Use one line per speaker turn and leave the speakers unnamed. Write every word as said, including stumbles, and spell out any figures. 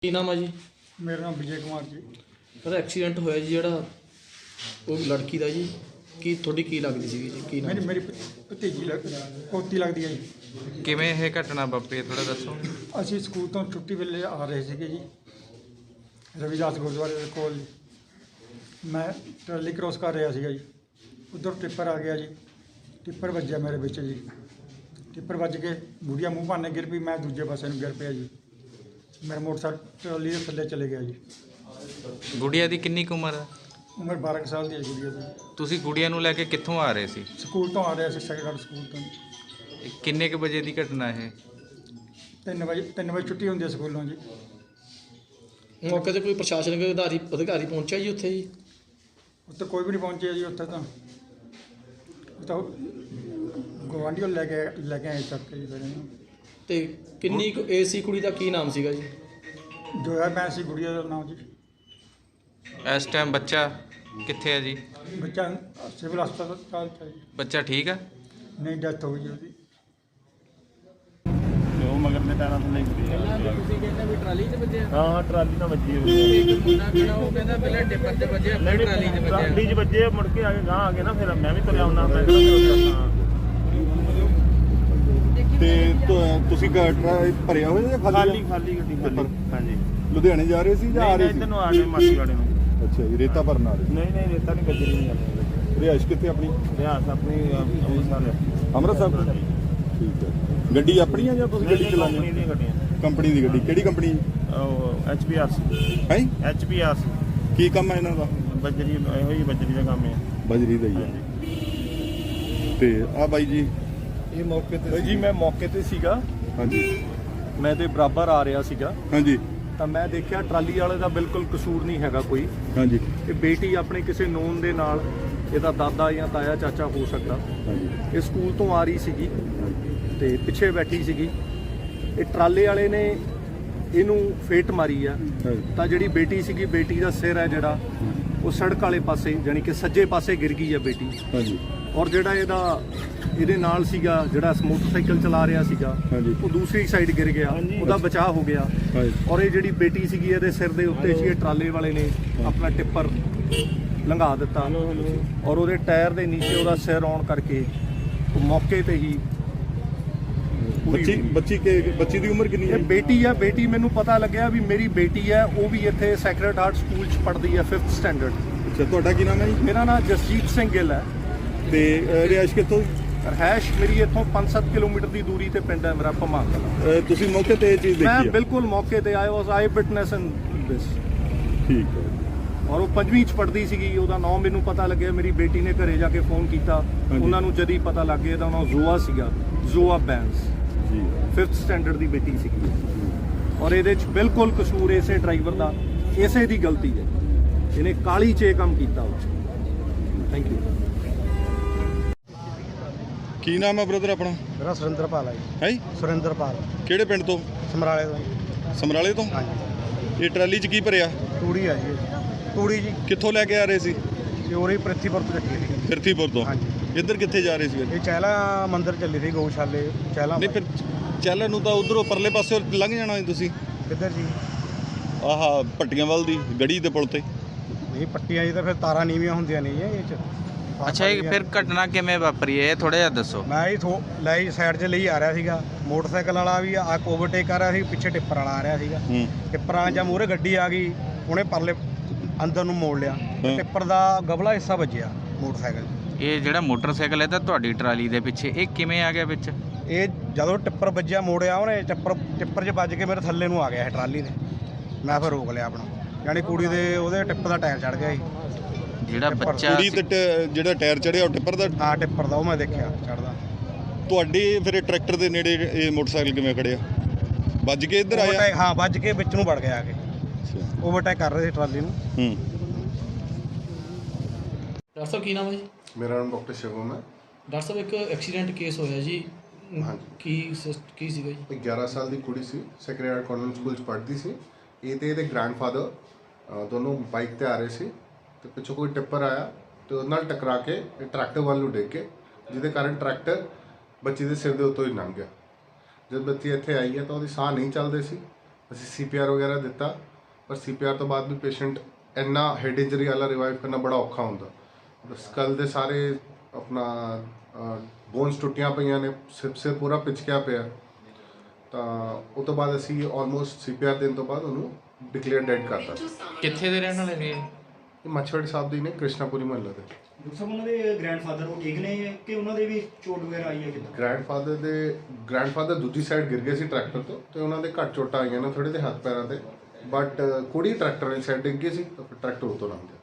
ਕੀ ਨਾਮ ਆ ਜੀ?
ਮੇਰਾ ਨਾਮ ਵਿਜੇ ਕੁਮਾਰ ਜੀ।
ਉਹਦਾ ਐਕਸੀਡੈਂਟ ਹੋਇਆ ਜੀ ਜਿਹੜਾ ਉਹ ਲੜਕੀ ਦਾ ਜੀ, ਕੀ ਤੁਹਾਡੀ ਕੀ ਲੱਗਦੀ ਸੀਗੀ ਜੀ? ਕੀ ਨਾਮ?
ਮੇਰੀ ਮੇਰੀ ਭਤੀਜੀ ਲੱਗ ਪੋਤੀ ਲੱਗਦੀ ਹੈ ਜੀ।
ਕਿਵੇਂ ਇਹ ਘਟਨਾ ਵਾਪਰੀ ਥੋੜਾ ਦੱਸੋ।
ਅਸੀਂ ਸਕੂਲ ਤੋਂ ਛੁੱਟੀ ਵੇਲੇ ਆ ਰਹੇ ਸੀਗੇ ਜੀ, ਰਵਿਦਾਸ ਗੁਰਦੁਆਰੇ ਦੇ ਕੋਲ ਜੀ। ਮੈਂ ਟਰਾਲੀ ਕ੍ਰੋਸ ਕਰ ਰਿਹਾ ਸੀਗਾ ਜੀ, ਉੱਧਰ ਟਿੱਪਰ ਆ ਗਿਆ ਜੀ। ਟਿੱਪਰ ਵੱਜਿਆ ਮੇਰੇ ਵਿੱਚ ਜੀ। ਟਿੱਪਰ ਵੱਜ ਕੇ ਬੁੜੀਆ ਮੂੰਹ ਭਾਨੇ ਗਿਰ ਪਈ, ਮੈਂ ਦੂਜੇ ਪਾਸੇ ਨੂੰ ਗਿਰ ਪਿਆ ਜੀ। ਮੇਰਾ ਮੋਟਰਸਾਈਕਲ ਟਰਾਲੀ ਦੇ ਥੱਲੇ ਚਲੇ ਗਿਆ ਜੀ।
ਗੁੜੀਆ ਦੀ ਕਿੰਨੀ ਕੁ ਉਮਰ ਹੈ?
ਉਮਰ ਬਾਰਾਂ ਕੁ ਸਾਲ ਦੀ ਹੈ ਗੁੜੀਆ ਦੀ।
ਤੁਸੀਂ ਗੁੜੀਆ ਨੂੰ ਲੈ ਕੇ ਕਿੱਥੋਂ ਆ ਰਹੇ ਸੀ?
ਸਕੂਲ ਤੋਂ ਆ ਰਿਹਾ ਸੀ, ਸੈਕੰਡ ਸਕੂਲ ਤੋਂ।
ਇਹ ਕਿੰਨੇ ਕੁ ਵਜੇ ਦੀ ਘਟਨਾ ਇਹ?
ਤਿੰਨ ਵਜੇ ਤਿੰਨ ਵਜੇ ਛੁੱਟੀ ਹੁੰਦੀ ਹੈ ਸਕੂਲੋਂ ਜੀ।
ਮੌਕੇ 'ਤੇ ਕੋਈ ਪ੍ਰਸ਼ਾਸਨਿਕ ਅਧਿਕਾਰੀ ਅਧਿਕਾਰੀ ਪਹੁੰਚਿਆ ਜੀ ਉੱਥੇ ਜੀ?
ਉੱਥੇ ਕੋਈ ਵੀ ਨਹੀਂ ਪਹੁੰਚਿਆ ਜੀ। ਉੱਥੇ ਤਾਂ ਉਹ ਤਾਂ ਗੁਆਂਢੀਓ ਲੈ ਕੇ ਲੈ ਕੇ ਆਏ ਚੱਕ ਕੇ ਜੀ ਫਿਰ ਇਹਨੂੰ।
ਤੇ ਕਿੰਨੀ ਕੁ ਏਜ ਸੀ ਕੁੜੀ ਦਾ? ਕੀ ਨਾਮ ਸੀਗਾ ਜੀ?
ਜੋਇਆ ਮੈਂ ਸੀ ਗੁੜੀਆ ਦਾ ਨਾਮ ਜੀ।
ਇਸ ਟਾਈਮ ਬੱਚਾ ਕਿੱਥੇ ਹੈ ਜੀ?
ਬੱਚਾ ਸਿਵਲ ਹਸਪਤਾਲ ਚ ਹੈ ਜੀ।
ਬੱਚਾ ਠੀਕ ਹੈ?
ਨਹੀਂ, ਡੈਥ ਹੋ ਗਈ ਉਹਦੀ।
ਉਹ ਮਗਰ ਦੇ ਟਾਇਰਾਂ ਥੱਲੇ
ਪਹਿਲਾਂ ਤੁਸੀਂ ਕਹਿੰਦੇ ਵੀ ਟਰਾਲੀ 'ਚ ਵੱਜਿਆ?
ਹਾਂ ਟਰਾਲੀ ਨਾਲ ਵੱਜੀ ਹੋਈ
ਇੱਕ ਮੁੰਡਾ ਖੜਾ ਉਹ ਕਹਿੰਦਾ ਪਹਿਲਾਂ ਟਿੱਪਰ 'ਤੇ ਵੱਜਿਆ, ਫਿਰ ਟਰਾਲੀ 'ਚ ਵੱਜਿਆ।
ਟਰਾਲੀ 'ਚ ਵੱਜੇ, ਮੁੜ ਕੇ ਆ ਕੇ ਗਾਂ ਆ ਗਏ ਨਾ, ਫਿਰ ਮੈਂ ਵੀ ਤੁਰਿਆ ਹੁੰਦਾ ਮੈਂ ਕਿਹੜਾ
ਤੇ ਤੁ- ਤੁਸੀਂ ਗ- ਭਰਿਆ ਹੋਇਆ ਜਾਂ
ਖਾਲੀ ਖਾਲੀ ਗੱਡੀ ਖਾਲੀ। ਹਾਂਜੀ,
ਲੁਧਿਆਣੇ ਜਾ ਰਹੇ ਸੀ ਜਾਂ ਆ
ਨਹੀਂ
ਰਹੇ
ਨਹੀਂ
ਸੀ?
ਇੱਧਰ ਨੂੰ ਆ ਰਹੇ ਮਾਸੀ ਵਾਲੇ ਨੂੰ।
ਅੱਛਾ ਜੀ, ਰੇਤਾ ਭਰਨ ਆ ਰਹੇ
ਨਹੀਂ ਨਹੀਂ ਰੇਤਾ ਨਹੀਂ ਗੱਜਰੀ ਨਹੀਂ ਜਾਂਦੇ।
ਰਿਹਾਇਸ਼ ਕਿੱਥੇ ਆਪਣੀ?
ਰਿਆਸ ਆਪਣੀ ਅੰਮ੍ਰਿਤਸਰ ਹੈ।
ਅੰਮ੍ਰਿਤਸਰ। ਠੀਕ ਹੈ। ਗੱਡੀ ਆਪਣੀ ਆ ਜਾਂ ਤੁਸੀਂ ਗੱਡੀ ਚਲਾਉਂਦੇ
ਕੰਪਨੀ
ਹੋ?
ਦੀਆਂ ਗੱਡੀਆਂ।
ਕੰਪਨੀ ਦੀ ਗੱਡੀ। ਕਿਹੜੀ ਕੰਪਨੀ
ਉਹ ਐਚ ਪੀ ਆਰ ਸੀ।
ਹੈ?
H P R C.
ਕੀ ਕੰਮ ਹੈ ਇਹਨਾਂ ਦਾ?
ਬੱਜਰੀ ਇਹੋ ਹੀ ਬੱਜਰੀ ਦਾ ਕੰਮ ਹੈ।
ਬਜਰੀ ਦਾ ਹੀ ਹੈ। ਤੇ ਆ ਬਾਈ ਜੀ,
ਇਹ ਮੌਕੇ ਤੇ ਜੀ ਮੈਂ ਮੌਕੇ ਤੇ ਸੀਗਾ।
ਹਾਂਜੀ
ਮੈਂ ਤੇ ਬਰਾਬਰ ਆ ਰਿਹਾ ਸੀਗਾ
ਹਾਂਜੀ
ਤਾਂ ਮੈਂ ਦੇਖਿਆ ਟਰਾਲੀ ਵਾਲੇ ਦਾ ਬਿਲਕੁਲ ਕਸੂਰ ਨਹੀਂ ਹੈਗਾ ਕੋਈ।
ਹਾਂਜੀ
ਇਹ ਬੇਟੀ ਆਪਣੇ ਕਿਸੇ ਨੋਨ ਦੇ ਨਾਲ, ਇਹਦਾ ਦਾਦਾ ਜਾਂ ਤਾਇਆ ਚਾਚਾ ਹੋ ਸਕਦਾ,
ਹਾਂਜੀ
ਇਹ ਸਕੂਲ ਤੋਂ ਆ ਰਹੀ ਸੀਗੀ ਤੇ ਪਿੱਛੇ ਬੈਠੀ ਸੀਗੀ। ਇਹ ਟਰਾਲੇ ਵਾਲੇ ਨੇ ਇਹਨੂੰ ਫੇਟ ਮਾਰੀ ਆ
ਹਾਂਜੀ
ਤਾਂ ਜਿਹੜੀ ਬੇਟੀ ਸੀਗੀ, ਬੇਟੀ ਦਾ ਸਿਰ ਹੈ ਜਿਹੜਾ ਉਹ ਸੜਕ ਵਾਲੇ ਪਾਸੇ, ਯਾਨੀ ਕਿ ਸੱਜੇ ਪਾਸੇ ਗਿਰ ਗਈ ਆ ਬੇਟੀ।
ਹਾਂਜੀ
ਔਰ ਜਿਹੜਾ ਇਹਦਾ ਇਹਦੇ ਨਾਲ ਸੀਗਾ, ਜਿਹੜਾ ਮੋਟਰਸਾਈਕਲ ਚਲਾ ਰਿਹਾ ਸੀਗਾ,
ਹਾਂਜੀ
ਉਹ ਦੂਸਰੀ ਸਾਈਡ ਗਿਰ ਗਿਆ, ਉਹਦਾ ਬਚਾਅ ਹੋ ਗਿਆ।
ਹਾਂਜੀ
ਔਰ ਇਹ ਜਿਹੜੀ ਬੇਟੀ ਸੀਗੀ, ਇਹਦੇ ਸਿਰ ਦੇ ਉੱਤੇ ਸੀ, ਇਹ ਟਰਾਲੇ ਵਾਲੇ ਨੇ ਆਪਣਾ ਟਿੱਪਰ ਲੰਘਾ ਦਿੱਤਾ ਔਰ ਉਹਦੇ ਟਾਇਰ ਦੇ ਨੀਚੇ ਉਹਦਾ ਸਿਰ ਆਉਣ ਕਰਕੇ ਉਹ ਮੌਕੇ ਤੇ ਹੀ ਪੂਰੀ
ਬੱਚੀ
ਹੋ ਗਈ।
ਬੱਚੀ ਕੇ ਬੱਚੀ ਦੀ ਉਮਰ ਕਿੰਨੀ ਹੈ?
ਇਹ ਬੇਟੀ ਆ। ਬੇਟੀ ਮੈਨੂੰ ਪਤਾ ਲੱਗਿਆ ਵੀ ਮੇਰੀ ਬੇਟੀ ਹੈ, ਉਹ ਵੀ ਇੱਥੇ ਸੈਕਰਡ ਹਾਰਟ ਸਕੂਲ 'ਚ ਪੜ੍ਹਦੀ ਹੈ, ਫਿਫਥ ਸਟੈਂਡਰਡ।
ਅੱਛਾ, ਤੁਹਾਡਾ ਕੀ ਨਾਮ ਹੈ ਜੀ?
ਮੇਰਾ ਨਾਮ ਜਸਜੀਤ ਸਿੰਘ ਗਿੱਲ ਹੈ
ਤੇ ਅ, ਰਿਹਾਇਸ਼ ਕਿੱਥੋਂ?
ਰਹਿਸ਼ ਮੇਰੀ ਇੱਥੋਂ ਪੰਜ ਸੱਤ ਕਿਲੋਮੀਟਰ ਦੀ ਦੂਰੀ ਤੇ ਪਿੰਡ ਹੈ ਮੇਰਾ ਭਮਾਂ ਕਲਾਂ।
ਅ, ਤੁਸੀਂ ਮੌਕੇ ਤੇ ਇਹ ਚੀਜ਼
ਮੈਂ
ਦੇਖੀ ਹੈ?
ਬਿਲਕੁਲ ਮੌਕੇ ਤੇ ਆਇਆ, ਵਾਸ ਆਈ ਵਿਟਨੈਸ ਇਨ ਦਿਸ।
ਠੀਕ ਹੈ।
ਔਰ ਉਹ ਪੰਜਵੀਂ ਚ ਪੜ੍ਹਦੀ ਸੀਗੀ। ਉਹਦਾ ਨਾਮ ਮੈਨੂੰ ਪਤਾ ਲੱਗਿਆ, ਮੇਰੀ ਬੇਟੀ ਨੇ ਘਰੇ ਜਾ ਕੇ ਫੋਨ ਕੀਤਾ,
ਹਾਂਜੀ।
ਉਹਨਾਂ ਨੂੰ ਜਦ ਹੀ ਪਤਾ ਲੱਗ ਗਿਆ ਤਾਂ ਨਾਮ ਜ਼ੋਆ ਸੀਗਾ, ਜ਼ੋਆ ਬੈਂਸ,
ਜੀ
ਫਿਫਥ ਸਟੈਂਡਰਡ ਦੀ ਬੇਟੀ ਸੀਗੀ। ਔਰ ਇਹਦੇ ਚ ਬਿਲਕੁਲ ਕਸੂਰ ਇਸੇ ਡਰਾਈਵਰ ਦਾ, ਇਸੇ ਦੀ ਗਲਤੀ ਹੈ। ਇਹਨੇ ਕਾਲੀ 'ਚ ਇਹ ਕੰਮ ਕੀਤਾ। Thank you.
ਕੀ ਨਾਮ ਹੈ ਬ੍ਰਦਰ ਆਪਣਾ?
ਮੇਰਾ ਸੁਰਿੰਦਰਪਾਲ ਹੈ ਜੀ।
ਹੈ
ਸੁਰਿੰਦਰਪਾਲ,
ਕਿਹੜੇ ਪਿੰਡ ਤੋਂ?
ਸਮਰਾਲੇ ਤੋਂ।
ਸਮਰਾਲੇ ਤੋਂ।
ਹਾਂਜੀ,
ਇਹ ਟਰਾਲੀ 'ਚ ਕੀ ਭਰਿਆ?
ਤੂੜੀ ਆ ਜੀ। ਤੂੜੀ ਜੀ
ਕਿੱਥੋਂ ਲੈ ਕੇ ਆ ਰਹੇ ਸੀ?
ਤੇ ਉਰੇ ਪ੍ਰਿਥੀਪੁਰ ਤੋਂ ਚੱਕੀ ਸੀ।
ਫਿਰਥੀਪੁਰ ਤੋਂ।
ਹਾਂਜੀ।
ਇੱਧਰ ਕਿੱਥੇ ਜਾ ਰਹੇ ਸੀ ਫਿਰ?
ਇਹ ਚਹਿਲਾ ਮੰਦਿਰ ਚੱਲੀ ਸੀ, ਗਊਸ਼ਾਲੇ ਚਹਿਲਾ।
ਨਹੀਂ ਫਿਰ ਚੱਲਣ ਨੂੰ ਤਾਂ ਉਧਰੋਂ ਪਰਲੇ ਪਾਸੇ ਲੰਘ ਜਾਣਾ ਸੀ ਤੁਸੀਂ।
ਕਿੱਧਰ ਜੀ?
ਆਹ ਭੱਟੀਆਂ ਵੱਲ ਦੀ ਗੜੀ ਦੇ ਪੁਲ ਤੇ।
ਨਹੀਂ, ਪੱਟੀਆਂ ਜੀ ਤਾਂ ਫਿਰ ਤਾਰਾਂ ਨੀਵੀਆਂ ਹੁੰਦੀਆਂ ਨਹੀਂ ਇਹ ਚ।
ਅੱਛਾ, ਇਹ ਫਿਰ ਘਟਨਾ ਕਿਵੇਂ ਵਾਪਰੀ ਹੈ ਇਹ ਥੋੜਾ ਜਿਹਾ ਦੱਸੋ।
ਮੈਂ ਹੀ ਥੋ ਲੈ ਸਾਈਡ 'ਚ ਲਈ ਆ ਰਿਹਾ ਸੀਗਾ। ਮੋਟਰਸਾਈਕਲ ਵਾਲਾ ਵੀ ਆ ਓਵਰਟੇਕ ਕਰ ਰਿਹਾ ਸੀ, ਪਿੱਛੇ ਟਿੱਪਰ ਵਾਲਾ ਆ ਰਿਹਾ ਸੀਗਾ।
ਹੂੰ
ਟਿੱਪਰਾਂ ਜਾਂ ਮੂਹਰੇ ਗੱਡੀ ਆ ਗਈ, ਉਹਨੇ ਪਰਲੇ ਅੰਦਰ ਨੂੰ ਮੋੜ ਲਿਆ। ਟਿੱਪਰ ਦਾ ਗਬਲਾ ਹਿੱਸਾ ਵੱਜਿਆ ਮੋਟਰਸਾਈਕਲ 'ਚ।
ਇਹ ਜਿਹੜਾ ਮੋਟਰਸਾਈਕਲ ਹੈ ਤਾਂ ਤੁਹਾਡੀ ਟਰਾਲੀ ਦੇ ਪਿੱਛੇ, ਇਹ ਕਿਵੇਂ ਆ ਗਿਆ ਵਿੱਚ?
ਇਹ ਜਦੋਂ ਟਿੱਪਰ ਵੱਜਿਆ, ਮੋੜਿਆ ਉਹਨੇ, ਟਿੱਪਰ ਟਿੱਪਰ 'ਚ ਵੱਜ ਕੇ ਮੇਰੇ ਥੱਲੇ ਨੂੰ ਆ ਗਿਆ ਇਹ ਟਰਾਲੀ ਦੇ। ਮੈਂ ਫਿਰ ਰੋਕ ਲਿਆ ਆਪਣਾ, ਯਾਨੀ ਕੁੜੀ ਦੇ ਉਹਦੇ ਟਿੱਪ ਦਾ ਟਾਇਰ ਚੜ ਗਿਆ ਸੀ।
ਜਿਹੜਾ ਬੱਚਾ
ਕੁੜੀ ਤੇ ਟ- ਜਿਹੜਾ ਟਾਇਰ ਚੜਿਆ ਉਹ ਟਿੱਪਰ ਦਾ?
ਹਾਂ, ਟਿੱਪਰ ਦਾ ਉਹ ਮੈਂ ਦੇਖਿਆ ਚੜਦਾ।
ਤੁਹਾਡੇ ਫਿਰ ਇਹ ਟਰੈਕਟਰ ਦੇ ਨੇੜੇ ਇਹ ਮੋਟਰਸਾਈਕਲ ਕਿਵੇਂ ਖੜਿਆ? ਵੱਜ ਕੇ ਇੱਧਰ ਆਇਆ?
ਓਵਰਟੇਕ, ਹਾਂ, ਵੱਜ ਕੇ ਵਿੱਚ ਨੂੰ ਵੜ ਗਿਆ ਆ ਕੇ।
ਅੱਛਾ।
ਓਵਰਟੇਕ ਕਰ ਰਹੇ ਸੀ ਟਰਾਲੀ ਨੂੰ।
ਹੂੰ।
ਡਾਕਟਰ ਸਾਹਿਬ ਕੀ ਨਾਮ ਹੈ ਜੀ?
ਮੇਰਾ ਨਾਮ ਡਾਕਟਰ ਸ਼ਿਵਮ ਹੈ।
ਡਾਕਟਰ ਸਾਹਿਬ ਇੱਕ ਐਕਸੀਡੈਂਟ ਕੇਸ ਹੋਇਆ ਜੀ,
ਹਾਂਜੀ।
ਕੀ ਸਿਸ- ਕੀ ਸੀਗਾ ਜੀ?
ਇੱਕ ਗਿਆਰਾਂ ਸਾਲ ਦੀ ਕੁੜੀ ਸੀ, ਸੈਕਰਡ ਹਾਰਟ ਕਨਵੈਂਟ ਸਕੂਲ 'ਚ ਪੜ੍ਹਦੀ ਸੀ। ਇਹ ਤੇ ਇਹਦੇ ਗ੍ਰੈਂਡਫਾਦਰ ਦੋਨੋਂ ਬਾਈਕ ਤੇ ਆ ਰਹੇ ਸੀ ਤੇ ਪਿੱਛੋਂ ਕੋਈ ਟਿੱਪਰ ਆਇਆ ਤੇ ਉਹਦੇ ਨਾਲ ਟਕਰਾ ਕੇ ਇਹ ਟਰੈਕਟਰ ਵੱਲ ਨੂੰ ਡਿੱਗ ਕੇ, ਜਿਹਦੇ ਕਾਰਨ ਟਰੈਕਟਰ ਬੱਚੀ ਦੇ ਸਿਰ ਦੇ ਉੱਤੋਂ ਹੀ ਲੰਘ ਗਿਆ। ਜਦ ਬੱਚੀ ਇੱਥੇ ਆਈ ਹੈ ਤਾਂ ਉਹਦੀ ਸਾਹ ਨਹੀਂ ਚੱਲਦੇ ਸੀ ਅਸੀਂ ਸੀ ਪੀ ਆਰ ਵਗੈਰਾ ਦਿੱਤਾ, ਪਰ ਸੀ ਪੀ ਆਰ ਤੋਂ ਬਾਅਦ ਵੀ ਪੇਸ਼ੈਂਟ ਇੰਨਾ ਹੈਡ ਇੰਜਰੀ ਵਾਲਾ ਰਿਵਾਈਵ ਕਰਨਾ ਬੜਾ ਔਖਾ ਹੁੰਦਾ। ਸਕਲ ਦੇ ਸਾਰੇ ਆਪਣਾ ਬੋਨਸ ਟੁੱਟੀਆਂ ਪਈਆਂ ਨੇ, ਸਿਰ ਸਿਰ ਪੂਰਾ ਪਿਚਕਿਆ ਪਿਆ, ਤਾਂ ਉਹ ਤੋਂ ਬਾਅਦ ਅਸੀਂ ਆਲਮੋਸਟ ਸੀ ਪੀ ਆਰ ਦੇਣ ਤੋਂ ਬਾਅਦ ਉਹਨੂੰ ਡਿਕਲੇਅਰ ਡੈਡ ਕਰਤਾ।
ਕਿੱਥੇ ਦੇ ਰਹਿਣ ਵਾਲੇ ਨੇ?
ਇਹ ਮੱਛਵਾੜੀ ਸਾਹਿਬ ਦੀ ਨੇ, ਕ੍ਰਿਸ਼ਨਾਪੁਰੀ ਮਹੱਲੇ ਦੇ।
ਡਾਕਟਰ ਸਾਹਿਬ ਉਹਨਾਂ ਦੇ ਗ੍ਰੈਂਡਫਾਦਰ ਉਹ ਠੀਕ ਨੇ ਕਿ ਉਹਨਾਂ ਦੇ ਵੀ ਚੋਟ ਵਗੈਰਾ ਆਈ ਹੈ ਕਿੱਦਾਂ?
ਗ੍ਰੈਂਡਫਾਦਰ ਦੇ ਗ੍ਰੈਂਡਫਾਦਰ ਦੂਜੀ ਸਾਈਡ ਗਿਰ ਗਏ ਸੀ ਟਰੈਕਟਰ ਤੋਂ, ਤੇ ਉਹਨਾਂ ਦੇ ਘੱਟ ਚੋਟਾਂ ਆਈਆਂ ਨੇ ਥੋੜੇ ਦੇ ਹੱਥ ਪੈਰਾਂ ਤੇ, ਬਟ ਕੁੜੀ ਟਰੈਕਟਰ ਵਾਲੀ ਸਾਈਡ ਡਿੱਗ ਗਈ ਸੀ ਤਾਂ ਫਿਰ ਟਰੈਕਟਰ ਉਤੋਂ ਲੰਘ ਗਿਆ।